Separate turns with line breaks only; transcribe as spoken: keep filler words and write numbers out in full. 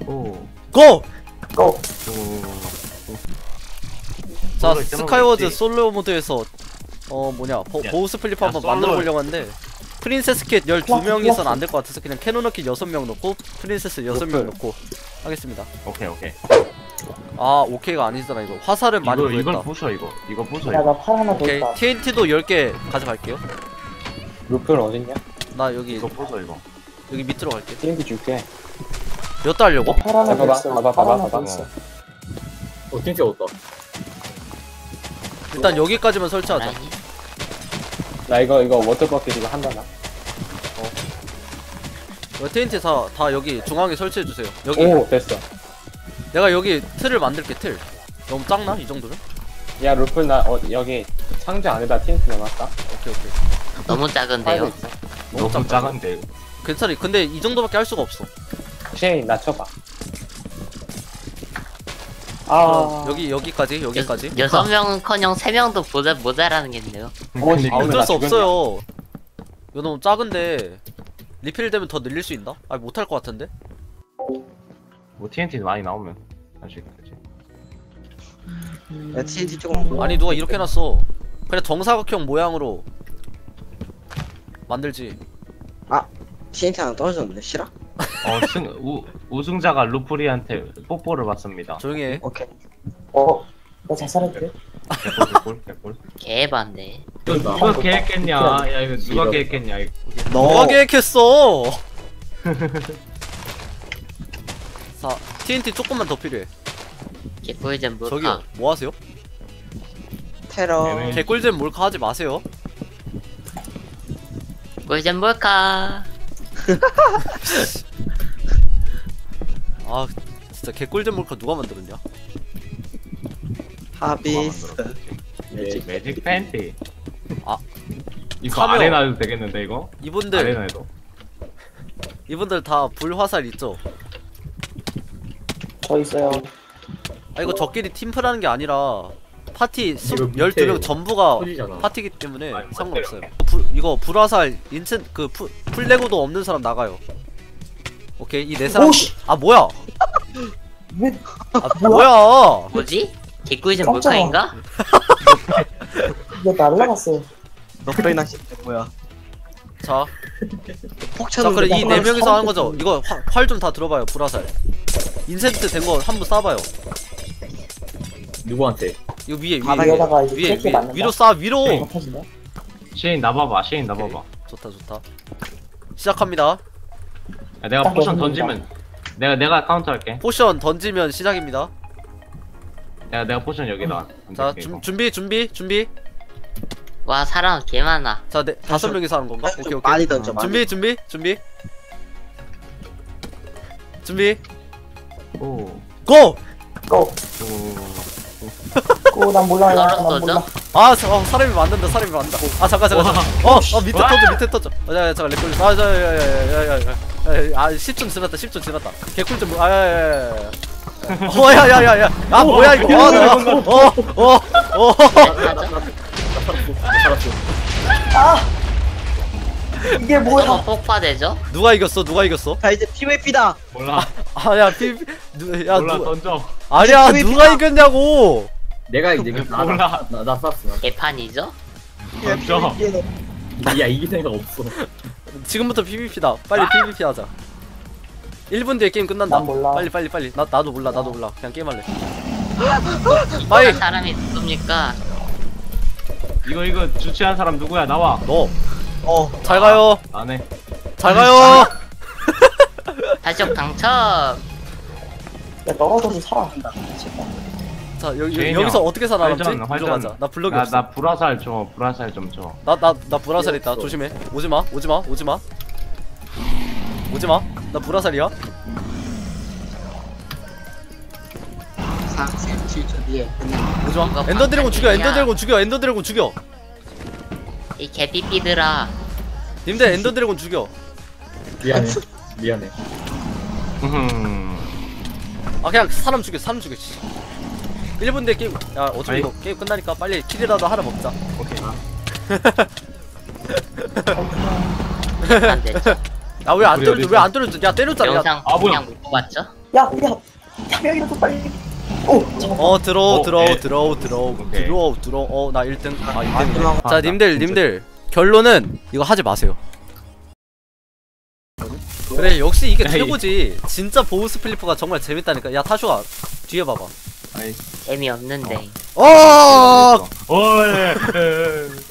오.
고!
고!
오.
자, 스카이워즈 솔로 모드에서 어 뭐냐 보,
야,
보우 스플릿
야,
한번
솔로.
만들어 보려고 하는데 프린세스 킷 열두 명이선 안 될 것 같아서 그냥 캐논 킷 여섯 명 넣고 프린세스 여섯 명 넣고 하겠습니다.
오케이 오케이.
아 오케이가 아니잖아 이거. 화살은 많이
이거 이걸
보였다.
부숴 이거. 이거 부숴
야,
이거.
나 팔 하나 더
오케이
있다.
티엔티도 열 개 가져갈게요.
루플 어딨냐?
나 여기
이거 부숴 이거.
여기 밑으로 갈게.
티엔티 줄게.
몇 달 하려고?
팔 하나 더
봐봐,
있어.
봐봐,
팔
봐봐,
하나 더
봐봐.
있어.
어, 진짜 없다.
일단 여기까지만 설치하자.
아니,
나 이거, 이거 워터버킷 이거 한다, 나.
이거 티엔티 다, 다 여기 중앙에 설치해주세요. 여기
오, 됐어.
내가 여기 틀을 만들게. 틀 너무 작나? 이 정도면?
야, 루플, 나, 어, 여기 상자 안에다 티엔티 넣어놨다.
오케이 오케이.
너무
파이브
작은데요?
있어.
너무
너무
작다.
작은데.
괜찮아. 근데 이 정도밖에 할 수가 없어.
쉐인, 나 쳐봐.
아,
그럼 여기 여기까지 여기까지.
여, 여섯 명은커녕 세 명도 모자 모자라는겠네요.
오, 씨.
아 어쩔 수
나
없어요. 이거 너무 작은데 리필 되면 더 늘릴 수 있나? 아 못할 것 같은데.
뭐 티엔티 많이 나오면 할 수 있겠지.
야 티엔티 조금
아니 누가 이렇게 해놨어. 그래 정사각형 모양으로 만들지.
티엔티 하나 떨어졌는데 싫어?
어, 승, 우, 우승자가 루프리한테 뽀뽀를 받습니다.
조용히 해.
오케이.
어, 나 자살할게.
개꿀, 개꿀, 개꿀.
개반데.
누가 계획했냐? 야, 이거 누가 계획했냐? 이거.
누가 계획했어? 자 티엔티 조금만 더 필요해.
개꿀잼 몰카.
저기요 뭐 하세요?
테러.
얘네.
개꿀잼 몰카 하지 마세요.
꿀잼 몰카.
아 진짜 개꿀잼 몰카 누가 만들었냐?
하비스.
매직, 매직 팬티.
아.
이거
카메오.
아레나도 되겠는데 이거?
이분들
아레나에도.
이분들 다 불화살 있죠?
저 있어요.
아 이거 저끼리 팀플하는 게 아니라 파티 스,
이거 밑에
열두 명 전부가
터지잖아.
파티기 때문에
아니,
상관없어요. 불, 이거 불화살 인챈 그 푸, 풀레고도 없는 사람 나가요. 오케이 이 네 사람.
오씨!
아 뭐야?
왜,
아 뭐야?
뭐지? 개꿀잼
깜짝아.
몰카인가?
이거 날라갔어.
너프레 낚시 뭐야?
자,
폭
자
차는.
그래 이 네 명이서 하는 거죠. 이거 활 좀 다 들어봐요. 불화살. 인센트 된 거 한번 쏴봐요.
누구한테?
이거 위에 위에
바닥에다가
위에
이제
위에,
캐치
위에
맞는다.
위로 쏴 위로.
이거 터진다.
쉐인 나봐봐, 쉐인
오케이.
나봐봐.
좋다 좋다. 시작합니다.
야, 내가
딱
포션
여섯
던지면 내가 내가 카운터 할게.
포션 던지면 시작입니다.
내가 내가 포션 여기다.
자
던질게,
준,
이거.
준비 준비 준비.
와 사람 개 많아.
자 네, 다섯 명이서 하는 건가? 오케이 오케이.
많이 던져. 많이.
준비 준비 준비 준비
오.
고!
고!
오.
고, 난 몰라, 난, 난
떨어져죠?
몰라.
아 사, 어, 사람이 만든다 사람이 만든다. 아 잠깐 잠깐 잠깐. 어, 어 밑에
와.
터져 밑에 터져. 아 야, 잠깐 렉 걸렸어. 아 야야야야야야야. 아 십 분 지났다 십 분 지났다. 개꿀 좀 아야야야야. 어야야야야. 아 뭐야 이거. 어어어.
이게 뭐야?
저거 폭파되죠?
누가 이겼어 누가 이겼어?
자 이제 피브이피다.
몰라.
아야 피 누, 야
몰라
누
던져.
아니야
피비피다.
누가 이겼냐고.
내가 이제 나, 나,
몰라.
나, 나 쐈어.
개판이죠?
던져.
야, 이길 생각 없어.
지금부터 피비피다. 빨리 피비피 하자. 일 분 뒤에 게임 끝난다.
난 몰라.
빨리 빨리 빨리. 나 나도 몰라. 나도 몰라. 그냥 게임할래. 빨리.
사람이 누굽니까?
이거 이거 주최한 사람 누구야? 나와.
너.
어.
잘 가요.
안 해.
잘 가요.
달적 당첨.
야, 떨어져도 살아.
자 여기
제인이
여기서
형.
어떻게 살아남지?
활전, 활전.
가자. 나 블럭이
나,
없어.
나 불화살 줘. 불화살 좀 줘.
나 나 나 불화살 있다.
없어.
조심해. 오지 마. 오지 마. 오지 마. 오지 마. 나 불화살이야.
사 칠 초 뒤에.
오지 마.
이거
엔더 드래곤 죽여. 엔더
방탄이야.
드래곤 죽여. 엔더 드래곤 죽여.
이 개삐삐들아.
님들 엔더 드래곤 죽여.
미안해. 미안해.
음.
아 그냥 사람 죽여. 사람 죽여. 씨. 일 분 뒤에 게임. 야 어차피
아이.
이거 게임 끝나니까 빨리 킬이라도 하나 먹자.
오케이.
안 되죠?
아 왜 안
어디,
때려줘?
어디
왜 안 때려줘? 야 때렸잖아. 야,
영상
아, 뭐야.
그냥 못 봤죠?
야, 야, 한 명이라도 빨리. 오, 잡았다.
어 들어오
어,
들어오
네.
들어오 들어오
오케이.
들어오 들어오 어나 일 등 아 이 등이네
들어와.
자 님들 님들 결론은 이거 하지 마세요 그래 역시 이게
에이.
최고지 진짜 보우 스플리퍼가 정말 재밌다니까 야 타쇼아 뒤에 봐봐
아이,
재미없는데.
어
어, 예, 예.